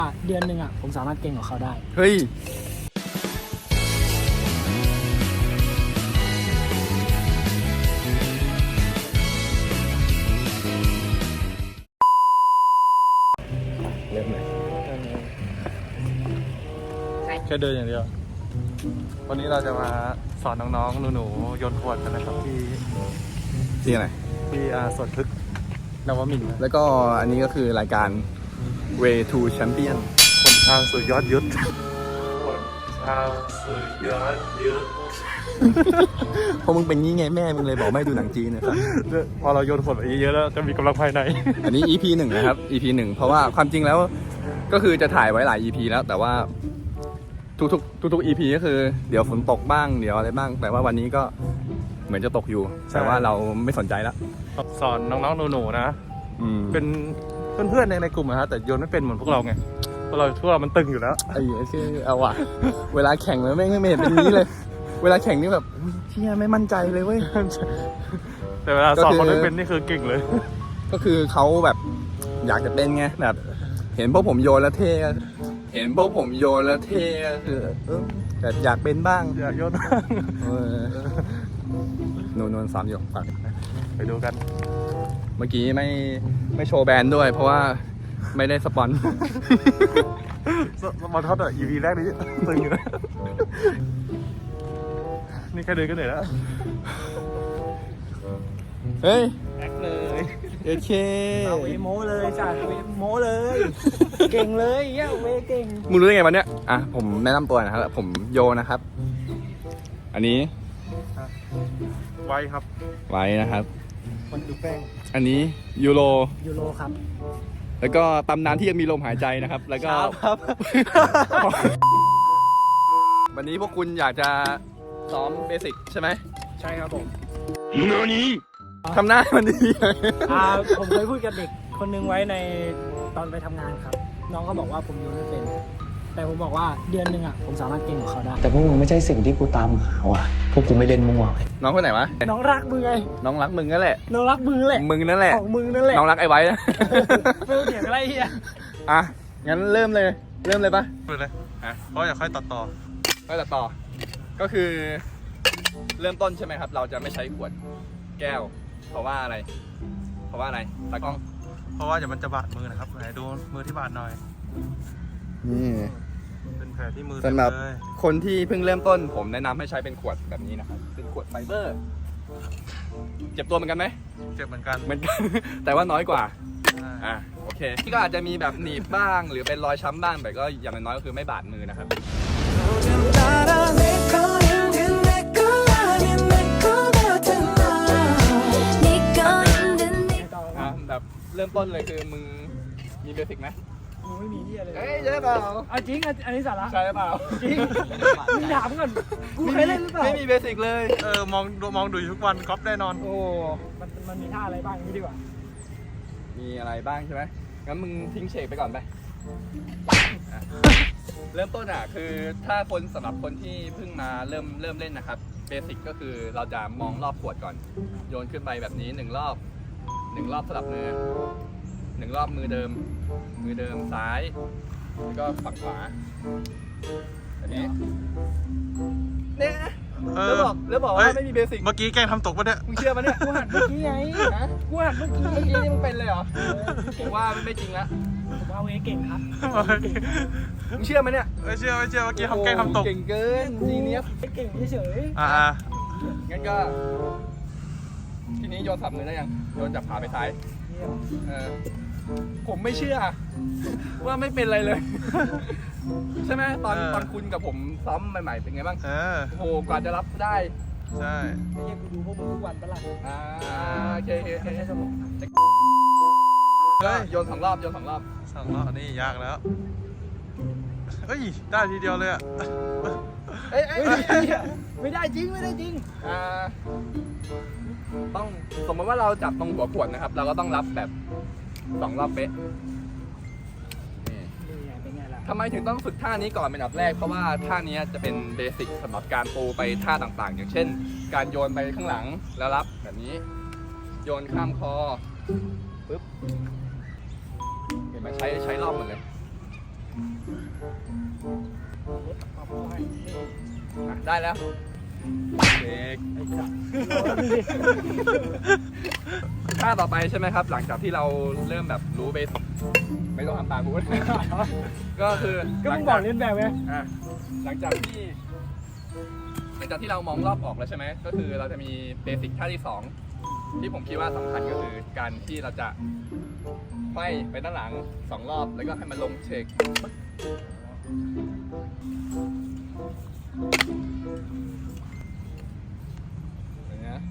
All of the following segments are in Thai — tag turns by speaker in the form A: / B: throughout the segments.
A: เดือนหนึ่งผมสามารถเก่งกว่าเขาได้
B: เฮ้ยเริ่มเลยแค่เดินอย่างเดียววันนี้เราจะมาสอนน้องๆหนูๆโยนขวดกันนะครับที่ไหนที่สวนพฤกษ์นวมินทร์แล้วก็อันนี้ก็คือรายการ Way to Champion คนทางสู่ยอดยุทธคนทางสู่ยอดยุทธพอมึงเป็นงี้ไงแม่มึงเลยบอกไม่ดูหนังจีนนะครับพอเราโยนขวดไปเยอะๆแล้วจะมีกำลังภายในอันนี้ EP 1นะครับ EP 1เพราะว่าความจริงแล้วก็คือจะถ่ายไว้หลาย EP แล้วแต่ว่าทุก EP ก็คือเดี๋ยวฝนตกบ้างเดี๋ยวอะไรบ้างแต่ว่าวันนี้ก็เหมือนจะตกอยู่แต่ว่าเราไม่สนใจแล้วสอนน้องๆหนูๆนะเป็นเพื่อนๆในกลุ่มนะฮะแต่โยนไม่เป็นเหมือนพวกเราไงพวกเรามันตึงอยู่แล้วไอ้ชื่อเอาว่ะเวลาแข่งแล้วไม่เห็นเป็นนี้เลยเวลาแข่งนี่แบบเชี่ยไม่มั่นใจเลยเว้ยแต่เวลาสอนคนไม่เป็นนี่คือเก่งเลยก็คือเขาแบบอยากจะเป็นไงแบบเห็นพวกผมโยนแล้วเท่คือแต่อยากเป็นบ้างอยากโยนบ้างนวล3 หยกไปดูกันเมื่อกี้ไม่โชว์แบรนด์ด้วยเพราะว่าไม่ได้สปอนมาท็อปEP แรกนี้ตึงอยู่นะนี่แค่เดินก็เหนื่อยแล้วเฮ้ยแอคเลยโอเค
A: เอาเวโมเลยจ้ะเวโมเลยเก่งเลยเวเก่ง
B: มึงรู้ได้ไงวันเนี้ยผมแนะนำตัวนะครับผมโยนะครับอันนี้ไว้ครับไว้นะครับ
A: คนดูแป้ง
B: อันนี้ยูโร
A: ครับ
B: แล้วก็ตำนานที่ยังมีลมหายใจนะครับแล้วก็
A: ครับ
B: วันนี้พวกคุณอยากจะซ้อมเบสิกใช่ไหม
A: ใช่ครับผม
B: ทำหน้ามันดี
A: ผมเคยพูดกับเด็กคนนึงไว้ในตอนไปทำงานครับน้องก็บอกว่าผมโยนไม่เป็นแต่ผมบอกว่าเดือนหนึ่งผมสามารถเก่งกว่าเขาได้
C: แต่พวกมึงไม่ใช่สิ่งที่กูตามหาว่ะพวกกูไม่เล่นมั่ว
B: น้องคนไหนวะ
A: น้องรักมึงไง
B: น้องรักมึงนั่นแหละ
A: น้องรักมึงแหละ
B: มึงนั่นแหละ
A: ของมึงนั่นแหละ
B: น้องรักไอ้ไว้นะ
A: ไม่เถียงอะไรเฮีย
B: งั้นเริ่มเลยปะ
D: เลยเพราะอยากค่อยตัดต่อ
B: ก็คือเริ่มต้นใช่ไหมครับเราจะไม่ใช้ขวดแก้วเพราะว่าอะไรตากล้อง
D: เพราะว่าเดี๋ยวมันจะบาดมือนะครับไหนดูมือที่บาดหน่อย
B: นี่
D: เป็นแผลที่มือ
B: สำหรับคนที่เพิ่งเริ่มต้นผมแนะนำให้ใช้เป็นขวดแบบนี้นะครับเป็นขวดไฟเบอร์เจ็บตัวเหมือนกันไหม
D: เจ็บเหมือนกัน
B: แต่ว่าน้อยกว่าโอเคที่ก็อาจจะมีแบบหนีบบ้างหรือเป็นรอยช้ำบ้างแต่ก็อย่างน้อยก็คือไม่บาดมือนะครับแบบเริ่มต้นเลยคือมึงมีเบสิกไหม
A: มึงไม่มีที่อะไร
B: ใช่เปล่า
A: จริงอันนี้สาระ
B: ใช่เปล่า
A: จริงมึงถามก่อนกูเคยเล่นหรือเปล่า
B: ไม่มีเบสิกเลย
D: มองดูทุกวันก๊อปแน่นอน
A: โอ้มันมีท่าอะไรบ้างนี่ดีกว่า
B: มีอะไรบ้างใช่ไหมงั้นมึงทิ้งเชคไปก่อนไปเริ่มต้นคือถ้าสำหรับคนที่เพิ่งมาเริ่มเล่นนะครับเบสิกก็คือเราจะมองรอบขวดก่อนโยนขึ้นไปแบบนี้1 รอบสลับมือ1 รอบมือเดิมซ้ายแล้วก็ฝั่งขวาแบบนี้เนี่ยแล้วบอกว่าไม่มีเบสิก
D: เมื่อกี้แกล้งทำตกปะเนี่ย
B: มึงเชื่อปะเนี่ย
A: กูหัดเมื่อกี้ไงกูหัดเมื่อกี้
B: นี่มึงเป็นเลยเหรอกูว่าไม่จริงละ
A: ผมเอาเก่งครับ
B: มึงเชื่อไหมเนี่ย
D: ไม่เชื่อเมื่อกี้ทำแกล้งทำตก
B: เก่งเกินจีเนียส
A: เก่งเฉย
B: งั้นก็ทีนี้โยนสับมือได้ยังโยนจากขาไปซ้ายผมไม่เชื่อว่าไม่เป็นอะไรเลยใช่ไหมตอนคุณกับผมซ้อมใหม่ๆเป็นไงบ้างโหกว่าจะรับได้
D: ใช่
A: ไม่ใช่กูดูพวกมึงทุกวันปะล่ะ
B: โอเค
A: ใช้สมอง
B: โยน2 รอบ
D: อันนี้ยากแล้วเฮ้ยได้ทีเดียวเลย
A: ไม่ได้จริง
B: ต้องสมมติว่าเราจับตรงหัวขวดนะครับเราก็ต้องรับแบบ2 รอบเป๊ะทำไมถึงต้องฝึกท่านี้ก่อนเป็นอันดับแรกเพราะว่าท่านี้จะเป็นเบสิกสำหรับการปูไปท่าต่างๆอย่างเช่นการโยนไปข้างหลังแล้วรับแบบนี้โยนข้ามคอปึ๊บเห็นไหมใช้รอบหมดเลยได้แล้วเด็ก
A: ไอ้สัส
B: ท่าต่อไปใช่ไหมครับ หลังจากที่เราเริ่มแบบรู้เบสไม่ต้องทำตามกู ก็คือ
A: ก็มึงบอกเล่นแบบไง
B: หลังจากที่เรามองรอบออกแล้วใช่ไหมก็คือเราจะมีเบสิกท่าที่ 2 ที่ผมคิดว่าสำคัญก็คือการที่เราจะไขว้ไปด้านหลัง2 รอบแล้วก็ให้มันลงเช็คอย่างเงี้ย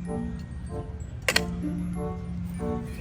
B: โอเค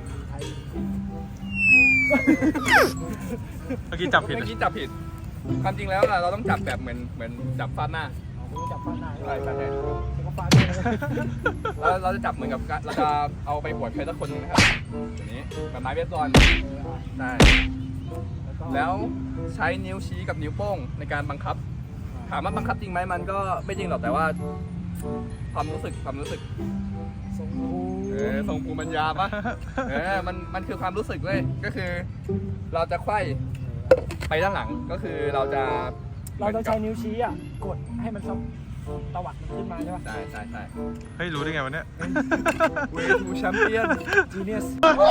D: เมื่อกี้จับผิด
B: เมื่อกี้จับผิดความจริงแล้วเราต้องจับแบบเหมือนจับฟาดหน้า
A: มึงจับฟันหน้า
B: ใช่ใช่ใช่
A: แล้วก็ฟาดด้วยนะ
B: เราจะจับเหมือนกับเราจะเอาไปหวดใครสักคนหนึงนะครับอย่างนี้แบบไม้เบสบอลใช่แล้วใช้นิ้วชี้กับนิ้วโป้งในการบังคับ ถามว่าบังคับจริงไหมมันก็ไม่จริงหรอกแต่ว่าความรู้สึก
A: ทรงกู
B: ทรงภูมิปัญญาปะมันคือความรู้สึกเว้ยก็คือ เราจะไขว้ไปด้านหลังก็คือเราต้อง
A: ใช้นิ้วชี้อ่ะกดให้มันตวัดมันขึ้นมาใช่ป่ะ
B: ใช่ใช่ใช่
D: เฮ้ยรู้ได้ไงวะเนี่ย
B: เวทูแชมเปี้ยน
A: จีเนียส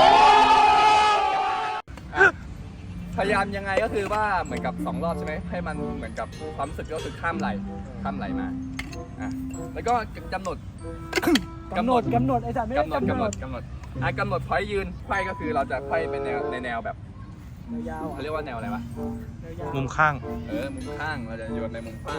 B: พยายามยังไงก็คือว่าเหมือนกับ2 รอบใช่ไหมให้มันเหมือนกับความรู้สึกก็คือข้ามไหลมาแล้วก็กำหนด
A: กำหนดไอ้สัตว์ไม่ได้กำหนด
B: กำหนดพอยยืนไขว้ก็คือเราจะไขว้เป็นแนวแบบ
A: ยาวๆ
B: เขาเรียกว่าแนวอะไรวะ
A: ยาวๆ
D: มุมข้าง
B: มุมข้างเราจะโยนในมุมข้าง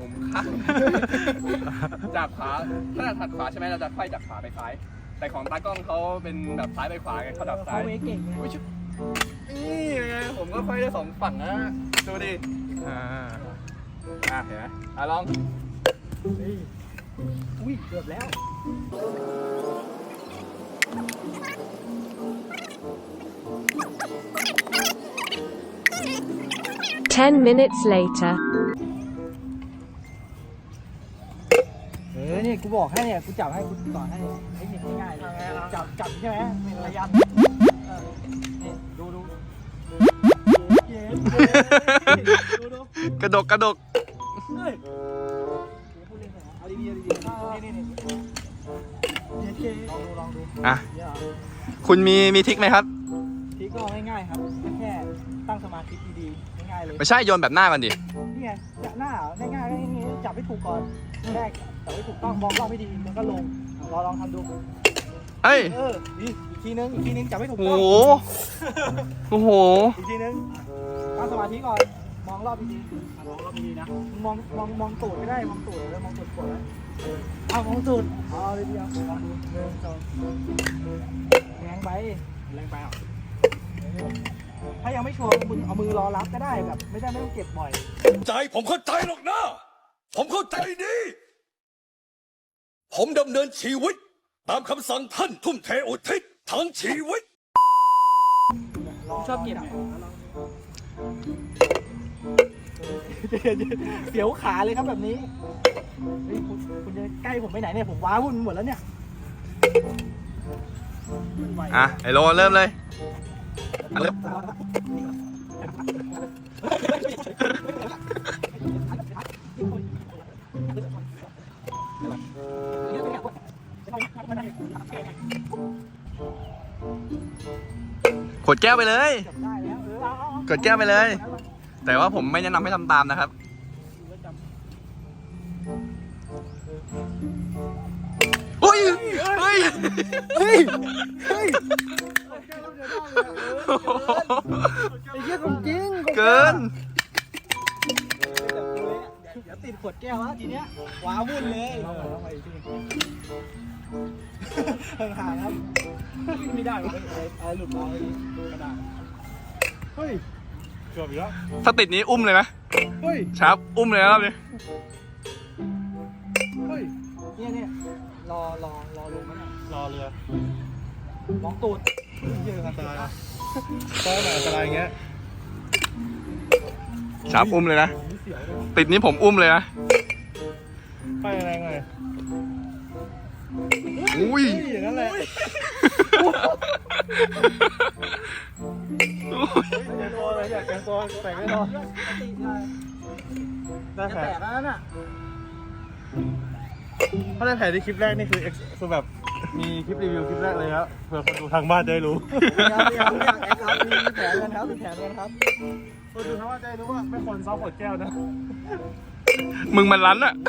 B: จากขวาถ้าถัดขวาใช่ไหมเราจะไขว้จากขวาไปซ้ายแต่ของตากล้องเขาเป็นแบบซ้ายไปขวาไงเขาดับซ้าย
A: เขาเวเก่งไง
B: นี่ไงผมก็ไขว้ได้2 ฝั่งนะดูดิ
D: อ่า
B: เห็นไหมลอง
A: เฮ้ยอุ้ยเกือบแล้ว
E: 10 minutes later.
A: นี่กูบอกให้เนี่ยกูจับให้กูสอนให้เทคนิคง่ายๆเลยจับใช่ไหมเป็นระยะนี่ดูเย้ดู
D: กระดก
A: เฮ้ยพูดเล่นเหรอเอาดีๆนี่เย้ลองดู
D: อ่ะ
A: เนี่ยเหรอ
D: คุณมีทริคไหมครับ
A: ทีก็ง่ายๆครับแค่ตั้งสมาธิดีๆง่ายๆเลย
D: ไม่ใช่โยนแบบหน้ามันดิ
A: นี่ไงจับหน้าเหรอง่ายๆก็อย่างงี้จับให้ถูกก่อนแรกจับให้ถูกต้องมองรอบให้ดีมันก็ลงลองทำดู
D: เฮ้ย
A: นี่อีกทีนึงจับให้ถูก
D: โอ้
A: ต้อ
D: โห
A: ง
D: โอ้โห
A: อีกทีนึงตั้งสมาธิก่อนมองรอบดีๆมองรอบดีๆนะมองตูดไม่ได้มองตูดแล้วมองตูดกดไว้มองตูดเลยเดียวลองดูแรงไปอ่ะถ้ายังไม่ชัวร์คุณเอามือรอรับก็ได้แบบไม่ต้องเก็บบ่อย
F: ใจผมเข้าใจหรอกนะ ผมเข้าใจดี ผมดำเนินชีวิต ตามคำสั่งท่านทุ่มเทอุทิศทั้งชีวิต
A: ชอบเก็บเสียวขาเลยครับแบบนี้เฮ้ยคุณจะใกล้ผมไปไหนเนี่ยผมว้าวุ่นหมดแล้วเนี่ย
D: อ่ะ ไอโลเริ่มเลยเริ่ม ขวดแก้วไปเลย
A: ได้แล้ว
D: กดแก้วไปเลย แต่ว่าผมไม่แนะนำให้ทำตามนะครับ อุ้ย เฮ้ย
A: เฮ้ยไอ้เหี้ยของจริง
D: เกิน
A: เดี๋ยวติดขวดแก้วแล้วทีเนี้ยว้าวุ่นเลยลองไปอีกทีห่างๆครับไม่ได้อะไรหลุดมาเลยกระดาษเฮ้ยเกือบอีกแล้ว
D: ถ้าติดนี้อุ้มเลยนะ
A: เฮ้ย
D: ครับ อุ้มเลยนะครับนี่
A: เฮ้ยเนี่ยรอลงไหมเนี่ย
B: รอเรือ
A: มองตูด
B: เยอะอันตรายนะตอนไหนอันตรายอย่างเงี้ย
D: ครับ อุ้มเลยนะ
A: เสียวเลย
D: ติดนี้ผมอุ้มเลยนะ
B: ไปแรงเลย
D: อุ้ย
B: อย่างนั้นแหละ
A: อยากแกงตัวแต่งไม่รอ
B: ได้
A: จะ
B: แผล
A: แตกแล้วน่ะ
B: ถ้าได้แผลที่คลิปแรกนี่คือแบบมีคลิปรีวิวคลิปแรกเลยครับเผื่อคนดูทางบ้านจะได้รู้
A: ยังแอคครับมีแผลกันครับมีแผลกันครับ
B: คนดูทางบ้านจะได้รู้ว่าไม่ควรซ้อมขวดแก้วนะ
D: มึงมันรั้นอะ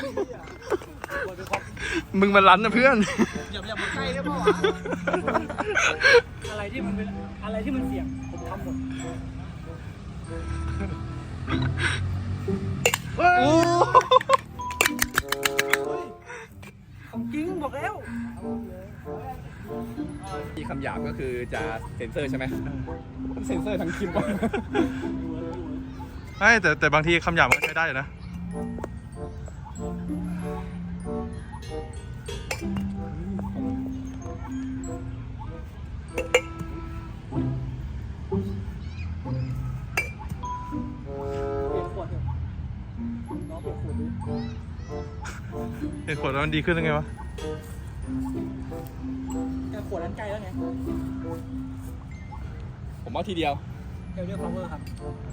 D: มึงมันรั้นนะเพื่อน
A: อย่ามาใกล้ได้ป่าวะอะไรที่มันเสี่ยงผมทำหมดของจริงบอกแล้ว
B: ที่คำหยาบก็คือจะเซ็นเซอร์ใช่ไหมเซ็นเซอร์ทั้งคลิปก่อน
D: ไม่แต่บางทีคำหยาบมันก็ใช้ได้อยู่นะ
A: เปลี่ยนขวดเถอะน้องเปลี่ยนขวดดิ
D: เห็นผลแล้วมันดีขึ้นยังไงวะ
A: แต่ขวดนั้นใกล้แล้วไง
B: ผมเอาทีเดียว
A: เดี๋ยวเรียก power ครับ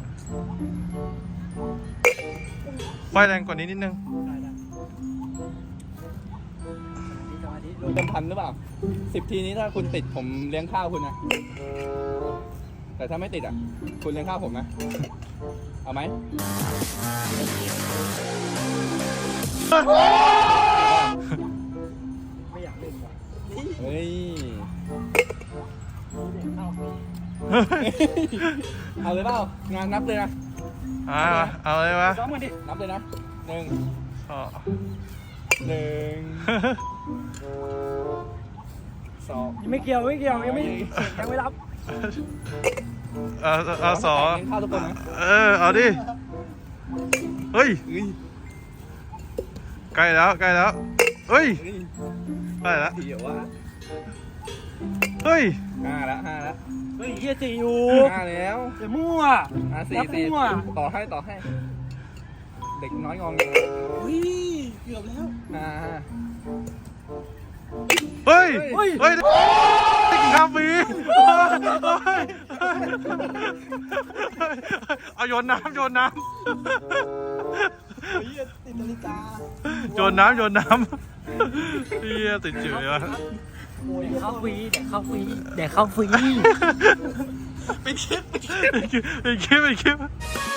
D: ไฟแรงกว่านี้นิดนึง
A: ได้สมาธิ
B: เต็มพันหรือเปล่า10 ทีนี้ถ้าคุณติดผมเลี้ยงข้าวคุณนะ แต่ถ้าไม่ติดอ่ะ คุณเลี้ยงข้าวผมนะ เอาไหม
A: ไม่อยากเล่นว่ะ
B: เฮ้ย เอาเลยเปล่างานนับเลยนะ
D: เอาเลยวะ
A: ซ้อมกันดิ
B: นับเลยนะ1
D: อ๋อ
B: 1 2
A: ยังไม่เกี่ยวยังไม่รับ
D: เอาสอง
B: เลี้ยงข้าวทุกคนนะ
D: เอาดิ เฮ้ย
B: เฮ้ย
D: ใกล้แล้วเฮ้ย
B: เฮ้ย
D: ใกล้แล้ว
B: เดี๋ยววะ
D: เฮ้ย
B: 5 แล้ว
A: เฮ้ยเฮียจีอยู่
B: 5 แล้ว
A: จะมั่ว
B: 4
A: นับมั่ว
B: ต่อให้ เด็กน้อยงอง
A: เฮ้ยเกือบแล้ว
D: เฮ้ย
A: เฮ้ย
D: เฮ้ยกินข้าวฟรีเอาโยนน้ำ
A: เฮียติดนาฬิกา
D: โยนน้ำเฮียติดจืดวะ
A: โอ้ยเข้าฟรีเดี๋ยวเข้าฟรีไปคลิป
D: ไปคลิป